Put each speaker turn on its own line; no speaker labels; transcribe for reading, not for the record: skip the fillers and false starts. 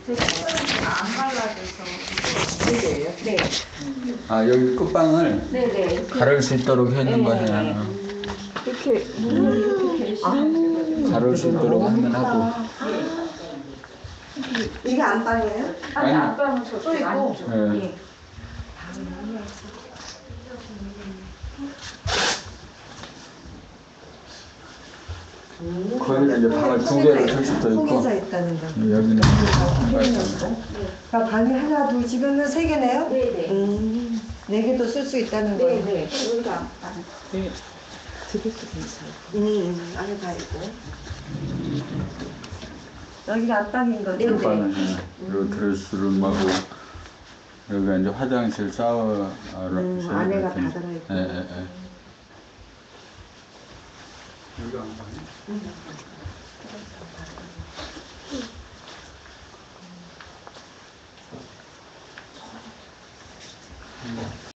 안 발라져서.
네네요. 네.
아, 여기 끝방을
네네.
가를 수 있도록 해놓은
네.
거야.
이렇게 문을 이렇게 계시면
가를 수 있도록 하면 하고.
이게 안방이에요?
아니, 안방은 저쪽
있고.
안쪽.
예.
예.
거기는 이제 방을 두 개로 줄 수도 있고.
통해서 있다는 거.
여기는
그러니까 방이 하나, 둘, 지금은 세 개네요?
네네.
네 개도 쓸 수 있다는 거예요.
네네. 여기가 안방.
되게 괜찮아요. 안에 다 있고. 여기가 앞방인 거죠?
끝방은 여기 드레스룸하고 여기가 이제 화장실, 샤워.
안에가 다 들어있고.
예, 예, 예. 여기가 안방이야?